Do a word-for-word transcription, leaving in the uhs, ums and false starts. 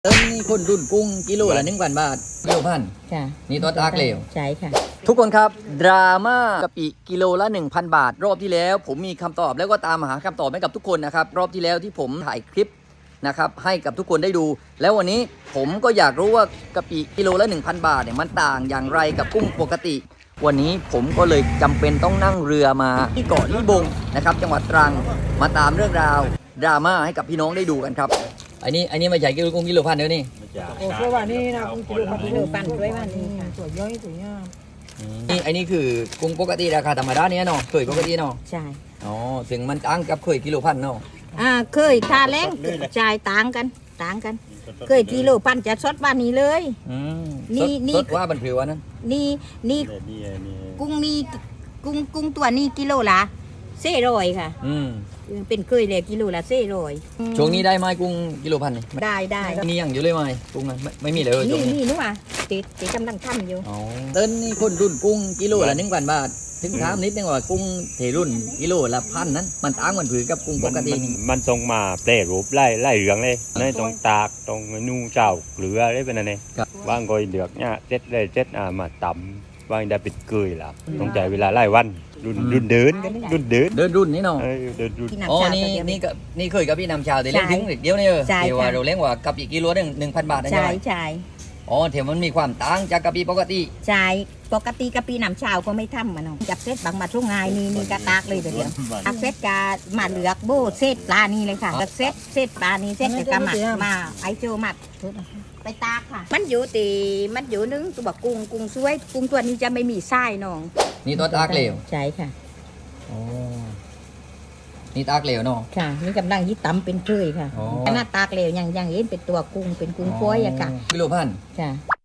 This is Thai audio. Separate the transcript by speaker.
Speaker 1: เติมนี่คนรุ่นกุ้งกิโลละหนึ่งพันบาทกิโลพันค่ะนี่ตัวตากเหลว
Speaker 2: ใช่ค่ะ
Speaker 1: ทุกคนครับดราม่ากะปิกิโลละ หนึ่งพัน บาท รอบที่แล้วผมมีคำตอบแล้วก็ตามหาคำตอบให้กับทุกคนนะครับรอบที่แล้วที่ผมถ่ายคลิปนะครับให้กับทุกคนได้ดู แล้ววันนี้ผมก็อยากรู้ว่ากะปิกิโลละ หนึ่งพัน บาทเนี่ยมันต่างอย่างไรกับกุ้งปกติ วันนี้ผมก็เลยจำเป็นต้องนั่งเรือมาที่เกาะลิบงนะครับจังหวัดตรังมาตามเรื่องราวดราม่าให้กับพี่น้องได้ดูกันครับอันนี้อันนี้ไม่ใช่กิโลกุ้งกิโลพันเดียวนี่
Speaker 3: โอ้สวยว่านี่นะกุ้งกิโล
Speaker 2: กิโลปั่นสวยว่านี่ค่ะ
Speaker 3: สวยย่อยสวยงาม
Speaker 1: นี่อันนี้คือกุ้งปกติราคาธรรมดาเนี่ยเนาะเคยปกติเนาะ
Speaker 2: ใช่
Speaker 1: อ๋อถึงมันต่างกับเคยกิโลพันเนาะ
Speaker 2: อ่าเคยค่าแรงจ่ายต่างกันต่างกันเคยกิโลปั่นจะสดบ้านนี้เลย
Speaker 1: อืม
Speaker 2: นี่
Speaker 1: สด
Speaker 2: นี่
Speaker 1: สดว่าบันผิวอันนั้น
Speaker 2: นี่นี่กุ้งนี่กุ้งกุ้งตัวนี้กิโลละเซ่ร้อยค่ะ
Speaker 1: อืม
Speaker 2: เป็นเคยเลยกิโลละเซ่ร้อย
Speaker 1: ช่วงนี้ได้ไหมกุ้งกิโลพันนี่
Speaker 2: ได้ได้
Speaker 1: นี่ยังอยู่เลยไหมกุ้งนั้นไม่ไม่มีเลยช่
Speaker 2: นี่
Speaker 1: วงนี้
Speaker 2: นี่นู้นอ่ะติดติดกำลังทำอยู่
Speaker 1: อ๋อเต้นนี่คนรุ่นกุ้งกิโลละหนึ่งพันบาทถึงถามนิดนึงว่ากุ้งเทรุ่นกิโลละพันนั้นมันต่างมันผือกับกุ้งปกตินี่
Speaker 4: มันทรงมาแปรรูปไล่ไล่เหลืองเลยในตรงตากตรงนูเจ้าเหลืออะไรเป็นอะไรว่างกอยเดือกเนี่ยเจ็ดเลยเจ็ดอ่ามาต่ำว่างได้ปิดเกยล่ะต้องใจเวลาไล่วันรุ่นรุ่นเดินกันรุ่นเดิน
Speaker 1: เดินรุ่นนี่เนาะ
Speaker 4: เออเดินรุ่น
Speaker 2: ที่นำ
Speaker 1: อ๋อ
Speaker 2: ชา
Speaker 1: นี่
Speaker 2: ตัวเดียว
Speaker 1: นี่ก็นี่เคยกับพี่นำชาวแต่เลี้ยง
Speaker 2: ใช่
Speaker 1: ถึงเดียวนี่เออ
Speaker 2: ใช่
Speaker 1: เดี๋ยวว่า
Speaker 2: ค่ะ
Speaker 1: เราเลี้ยงว่ากับอีกกิโลหนึ่งหนึ่งพันบาทนะ
Speaker 2: ใช่
Speaker 1: ใช่ไหม
Speaker 2: ใช่
Speaker 1: อ๋อเถอะมันมีความต่างจากกะปิปกติ
Speaker 2: ใช่ปกติกะปีน้ำชาวก็ไม่ทำมันเนาะจับเซตบางมาช่วงไงายนี่นี่กระตากเลยเดี๋ยวอักเซตกะมาเหลือกโบเซตปลานี่เลยค่ะเซตเซตปลานี่เซตแต่กะมามาไอโจมัดไปตากค่ะ มันอยู่ตีมันอยู่นึงตัวบอกกุ้งกุ้งสวยกุ้งตัวนี้จะไม่มีไส้น้อง
Speaker 1: นี่ตัวตากเหลว
Speaker 2: ใช่ค่ะ
Speaker 1: อ๋อนี่ตากเหลวเนาะ
Speaker 2: ค่ะนี่กำลังยี่ตำเป็นเคยค่ะ
Speaker 1: อ๋อ
Speaker 2: หน้าตากเหลวยังยังเห็นเป็นตัวกุ้งเป็นกุ้งกล้วยอะค่ะ
Speaker 1: กิโลพัน
Speaker 2: ค่ะ